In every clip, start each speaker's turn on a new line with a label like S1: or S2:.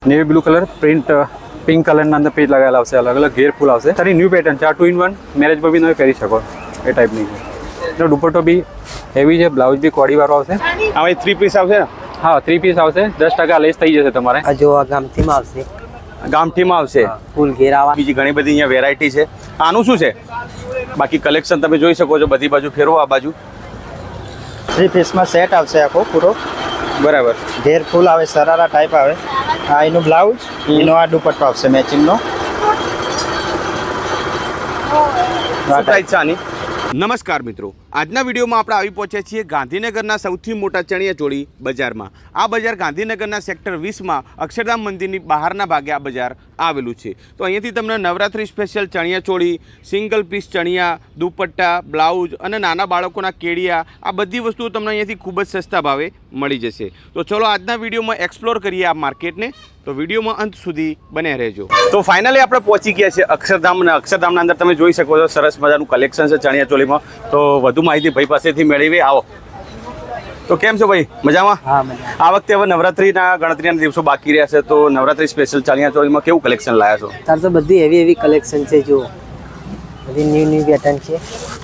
S1: Navy blue colour print pink colour ना अंदर page लगाया આવશે अलग अलग घेर फूल આવશે તારી ન્યુ પેટર્ન છે આ 2 in 1 મેરેજ પર બી તમે પહેરી શકો એ ટાઈપની છે તો દુપટ્ટો બી હેવી છે બ્લાઉઝ બી કોડી વાળો આવશે
S2: આ ભાઈ 3 પીસ આવશે ને
S1: હા 3 પીસ આવશે 10% લેસ થઈ જશે તમારે
S3: આ જો આ ગામઠીમાં આવશે
S2: ગામઠીમાં આવશે
S3: ફૂલ ઘેરાવા
S2: બીજી ઘણી બધી અહીંયા વેરાયટી છે આનું શું છે બાકી કલેક્શન તમે જોઈ શકો છો બધી બાજુ ફેરવો આ બાજુ
S3: 3 પીસમાં સેટ આવશે આખો પૂરો
S2: બરાબર
S3: ઘેર ફૂલ આવે સરારા ટાઈપ આવે આ એનું બ્લાઉઝ એનો આ દુપટ્ટો આવશે મેચિંગનો
S2: પ્રાઇસ છે આની નમસ્કાર મિત્રો આજના વિડીયોમાં આપણે આવી પહોંચ્યા છીએ ગાંધીનગરના સૌથી મોટા ચણિયાચોળી બજારમાં આ બજાર ગાંધીનગરના સેક્ટર 20માં અક્ષરધામ મંદિરની બહારના ભાગે આ બજાર આવેલું છે તો અહીંયાથી તમને નવરાત્રી સ્પેશિયલ ચણિયાચોળી સિંગલ પીસ ચણિયા દુપટ્ટા બ્લાઉઝ અને નાના બાળકોના કેડિયા આ બધી વસ્તુઓ તમને અહીંયાથી ખૂબ જ સસ્તા ભાવે મળી જશે તો ચલો આજના વિડીયોમાં એક્સપ્લોર કરીએ આ માર્કેટને તો વિડીયોમાં અંત સુધી બને રહેજો તો ફાઇનલી આપણે પહોંચી ગયા છે અક્ષરધામ અને અક્ષરધામના અંદર તમે જોઈ શકો છો સરસ મજાનું કલેક્શન છે ચણિયાચોળીમાં તો વધુ માહિતી ભાઈ પાસેથી મેળવી આવો તો કેમ છો ભાઈ મજામાં
S3: હા મજા
S2: આ વખતે હવે નવરાત્રીના ગણતરીના દિવસો બાકી રહ્યા છે તો નવરાત્રી સ્પેશિયલ ચણિયાચોળીમાં કેવું કલેક્શન લાયા છો
S3: તાર તો બધી એવી કલેક્શન છે જો બધી ન્યૂ પેટર્ન છે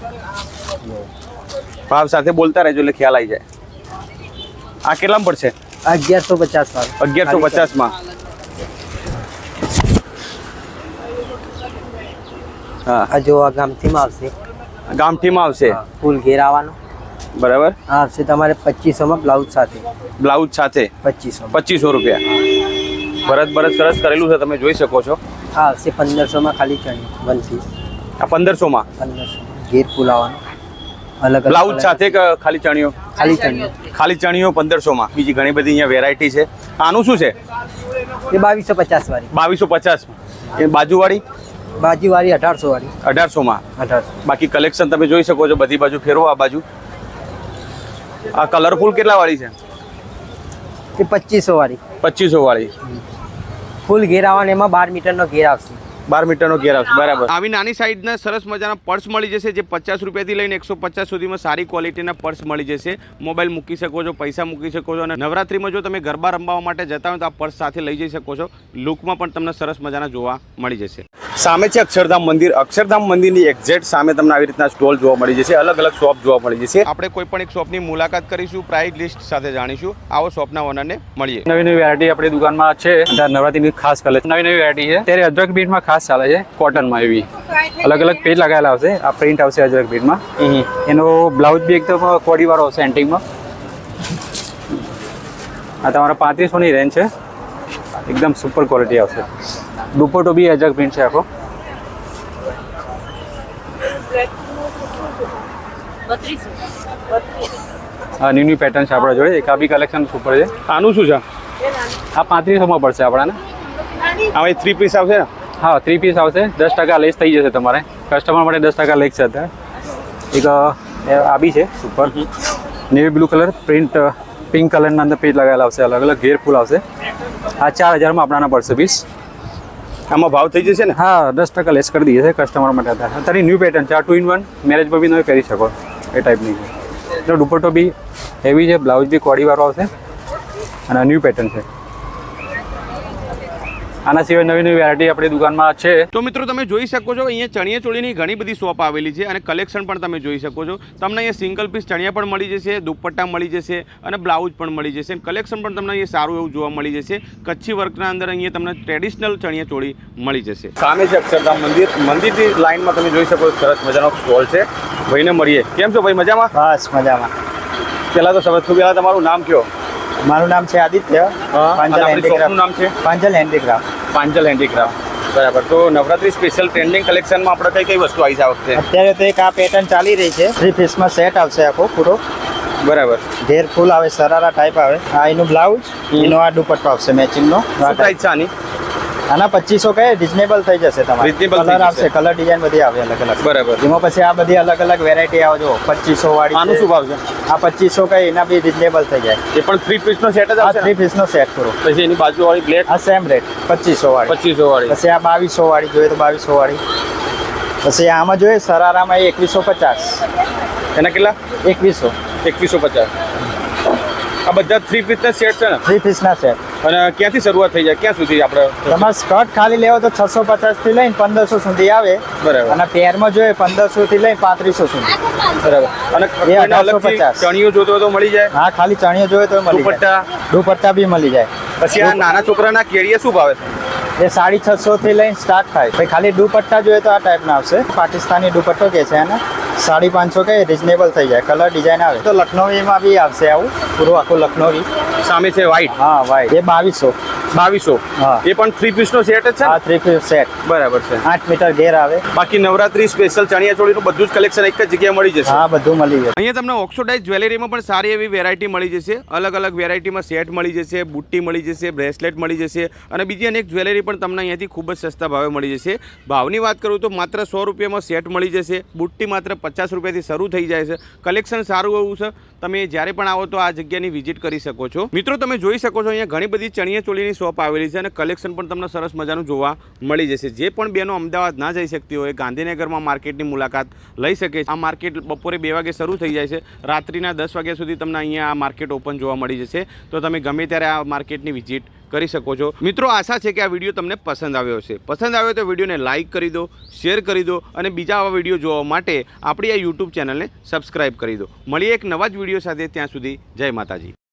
S2: ભાવ સાથે બોલતા રહેજો એટલે ખ્યાલ આવી જાય આ કેટલામાં પડશે
S3: 1150 વાળું
S2: 1150 માં હા
S3: આ જો આ ગામઠીમાં આવશે
S2: ગામઠીમાં આવશે
S3: ફૂલ ઘેરાવાનો
S2: બરાબર
S3: આ આવશે તમારે 2500 માં બ્લાઉઝ સાથે
S2: બ્લાઉઝ સાથે
S3: 2500
S2: રૂપિયા ભરત સરસ કરેલું છે તમે જોઈ શકો છો
S3: આ આવશે 1500 માં ખાલી ચણી વન પીસ
S2: આ 1500 માં
S3: 1500 ઘેર ફૂલ આવવાનો અલગ
S2: બ્લાઉઝ સાથે કે ખાલી ચણિયો
S3: ખાલી ચણી
S2: ખાલી ચણિયો 1500 માં બીજી ઘણી બધી અહીંયા વેરાયટી છે આનું શું છે
S3: એ 2250 વાળી
S2: 2250 એ બાજુવાળી
S3: બાજુવાળી 1800 વાળી
S2: 1800 માં
S3: 1800
S2: બાકી કલેક્શન તમે જોઈ શકો છો બધી બાજુ ફેરવો આ બાજુ આ કલરફુલ કેટલા વાળી છે
S3: એ 2500 વાળી
S2: 2500 વાળી
S3: ફૂલ ઘેર આવવાનો એમાં 12 મીટરનો ઘેર આવશે
S2: 12 મીટરનો ઘેર આવશે બરાબર આવી નાની સાઈઝના સરસ મજાના પર્સ મળી જશે જે 50 રૂપિયાથી લઈને 150 સુધીમાં સારી ક્વોલિટીના પર્સ મળી જશે મોબાઈલ મૂકી શકો છો પૈસા મૂકી શકો છો અને નવરાત્રીમાં જો તમે ગરબા રમવા માટે જતા હોય તો આ પર્સ સાથે લઈ જઈ શકો છો લુકમાં પણ તમને સરસ મજાના જોવા મળી જશે સામે છે અક્ષરધામ મંદિરની એક્ઝેક્ટ સામે તમને આવી રીતના સ્ટોલ જોવા મળી જશે અલગ અલગ શોપ જોવા મળી જશે આપણે કોઈ પણ એક શોપની મુલાકાત કરીશું પ્રાઇસ લિસ્ટ સાથે જાણીશું આવો શોપના ઓનરને મળીએ
S1: નવી વેરાયટી આપણી દુકાનમાં છે નવરાત્રીની ખાસ કલેક્શન નવી વેરાયટી છે ત્યારે અજરક બીટમાં ખાસ ચાલે છે કોટનમાં એવી અલગ અલગ પેજ લગાવેલા આવશે આ પ્રિન્ટ આવશે અજરક બીટમાં એનો બ્લાઉઝ બી એકદમ કોડી વાળો આવશે એન્ટિંગમાં આ તમારા 3500ની રેન્જ છે એકદમ સુપર ક્વોલિટી આવશે દુપટ્ટો બી અજરક પ્રિન્ટ છે આખો હા ન્યૂ પેટર્ન છે આપણા જોડે એક આ બી કલેક્શન સુપર છે
S2: આનું શું છે
S1: આ 3500 માં પડશે આપણાને
S2: આ ભાઈ 3 પીસ આવશે ને
S1: હા 3 પીસ આવશે 10% લેસ થઈ જશે તમારે કસ્ટમર માટે 10% લેસ છે અત્યારે એક આ બી છે super navy blue colour print pink કલરના અંદર પેજ લગાવેલા આવશે અલગ અલગ ઘેર ફૂલ આવશે આ 4000 માં આપણાના પડશે પીસ
S2: આમાં ભાવ થઈ જશે ને
S1: હા 10% લેસ કરી દઈએ છે કસ્ટમર માટે અત્યારે ન્યૂ પેટર્ન છે આ 2 in 1 મેરેજ પર બી તમે પહેરી શકો એ ટાઈપની છે તો દુપટ્ટો બી હેવી છે બ્લાઉઝ બી કોડી વાળો આવશે અને ન્યૂ પેટર્ન છે આના સિવાય નવી વેરાયટી આપણી દુકાનમાં છે
S2: તો મિત્રો તમે જોઈ શકો છો અહીંયા ચણિયાચોળીની ઘણી બધી શોપ આવેલી છે અને કલેક્શન પણ તમે જોઈ શકો છો તમને અહીંયા સિંગલ પીસ ચણિયા પણ મળી જશે દુપટ્ટા મળી જશે અને બ્લાઉઝ પણ મળી જશે કલેક્શન પણ તમને અહીંયા સારું એવું જોવા મળી જશે કચ્છી વર્કના અંદર અહીંયા તમને ટ્રેડિશનલ ચણિયાચોળી મળી જશે સામે છે અક્ષરધામ મંદિરની લાઇનમાં તમે જોઈ શકો સરસ મજાનો સ્ટોલ છે ભાઈને મળીએ કેમ છો ભાઈ મજામાં
S3: બસ મજામાં
S2: પહેલાં તો સૌથી પહેલાં તમારું નામ કયો
S3: મારું નામ છે આદિત્ય
S2: શોપનું નામ છે
S3: પાંજલ હેન્ડીક્રાફ્ટ
S2: બરાબર તો નવરાત્રી સ્પેશિયલ ટ્રેન્ડિંગ કલેક્શનમાં આપણે કઈ વસ્તુ આવી છે આ વખતે
S3: અત્યારે તો એક આ પેટર્ન ચાલી રહી છે 3 પીસમાં સેટ આવશે આખો પૂરો
S2: બરાબર
S3: ઘેર ફૂલ આવે સરારા ટાઈપ આવે આ એનું બ્લાઉઝ એનો આ દુપટ્ટો આવશે મેચિંગનો
S2: પ્રાઇસ છે આની
S3: આના 2500 કહે રિઝનેબલ થઈ જશે તમારે
S2: Reasonable થઈ
S3: કલર
S2: જશે.
S3: આવશે કલર ડિઝાઇન બધી આવે અલગ અલગ
S2: બરાબર
S3: એમાં પછી આ બધી અલગ અલગ વેરાયટી આવે જો 2500 વાળી
S2: આનું શું ભાવ છે
S3: આ 2500 કહે એના બી રિઝનેબલ થઈ જાય
S2: એ પણ 3 પીસનો સેટ જ
S3: આ
S2: આવશે
S3: 3 પીસનો સેટ કરો
S2: પછી એની બાજુવાળી બ્લેક
S3: આ સેમ રેટ 2500 વાળી
S2: 2500 વાળી
S3: પછી આ 2200 વાળી જોઈએ તો 2200 વાળી પછી આમાં જોઈએ સરારામાં 2150
S2: એના કેટલા
S3: 2100
S2: 2150 આ બધા 3 પીસના સેટ છે ને
S3: 3 પીસના સેટ.
S2: અને ક્યાંથી શરૂઆત થઈ જાય ક્યાં સુધી આપણે
S3: તમારે સ્કર્ટ ખાલી લેવો તો 650 થી લઈને 1500 સુધી આવે.
S2: બરાબર.
S3: અને પેરમાં જોઈએ 1500 થી લઈને 3500 સુધી.
S2: બરાબર. અને
S3: એ
S2: કોઈને અલગથી
S3: 1850.
S2: ચણિયો જોતો હોય તો મળી જાય.
S3: હા, ખાલી ચણિયો જોઈએ તો મળી જાય.
S2: દુપટ્ટા
S3: દુપટ્ટા બી મળી જાય.
S2: પછી આ નાના છોકરાના કેડિયા શું ભાવે છે?
S3: એ 650 થી લઈને સ્ટાર્ટ થાય. પછી ખાલી દુપટ્ટા જોઈએ તો આ ટાઈપના આવશે. પાકિસ્તાની દુપટ્ટો કે છે એને 550 કે રિઝનેબલ થઈ જાય. કલર ડિઝાઇન આવે તો લખનવીમાં બી આવશે આવું પૂરું આખું લખનવી.
S2: સામે છે વ્હાઈટ
S3: હા, વાઈટ એ 2200.
S2: 2200.
S3: હા.
S2: એ પણ 3 પીસનો સેટ જ છે
S3: આ
S2: ને?
S3: 3 પીસ સેટ.
S2: બરાબર છે.
S3: 8 મીટર ઘેર આવે.
S2: બાકી નવરાત્રી સ્પેશિયલ ચણિયા ચોળીનું બધું જ કલેક્શન એક જ જગ્યાએ મળી જશે.
S3: હા, બધું મળી જાય.
S2: અહીંયા તમને ઓક્સોડાઇઝ જ્વેલરીમાં પણ સારી એવી વેરાયટી મળી જશે. અલગ અલગ વેરાયટીમાં સેટ મળી જશે, બુટ્ટી મળી જશે, બ્રેસલેટ મળી જશે અને બીજી અનેક જ્વેલરી પણ તમને અહીંયાથી ખૂબ જ સસ્તા ભાવે મળી જશે. ભાવની વાત કરું તો માત્ર 100 રૂપિયામાં સેટ મળી જશે. બુટ્ટી માત્ર 50 રૂપિયાથી શરૂ થઈ જાય છે. કલેક્શન સારું એવું છે. તમે જ્યારે પણ આવો તો આ જગ્યાની વિઝિટ કરી શકો છો. મિત્રો તમે જોઈ શકો છો અહીંયા ઘણી બધી ચણિયા ચોળીની શોપ આવેલી છે અને કલેક્શન પણ તમને સરસ મજાનું જોવા મળી જશે. જે પણ બહેનો અમદાવાદ ના જઈ શકતી હોય ગાંધીનગરમાં માર્કેટની મુલાકાત લઈ શકે છે. આ માર્કેટ બપોરે 2 વાગે શરૂ થઈ જાય છે. રાત્રિના 10 વાગ્યા સુધી તમને અહીંયા આ માર્કેટ ઓપન જોવા મળી જશે. તો તમે ગમે ત્યારે આ માર્કેટની વિઝિટ કરી શકો છો. મિત્રો આશા છે કે આ વિડીયો તમને પસંદ આવ્યો હશે. પસંદ આવ્યો તો વિડીયોને લાઇક કરી દો, શેર કરી દો અને બીજા આવા વિડીયો જોવા માટે આપણી આ યુટ્યુબ ચેનલને સબસ્ક્રાઇબ કરી દો. મળીએ એક નવા જ વિડીયો સાથે. ત્યાં સુધી જય માતાજી.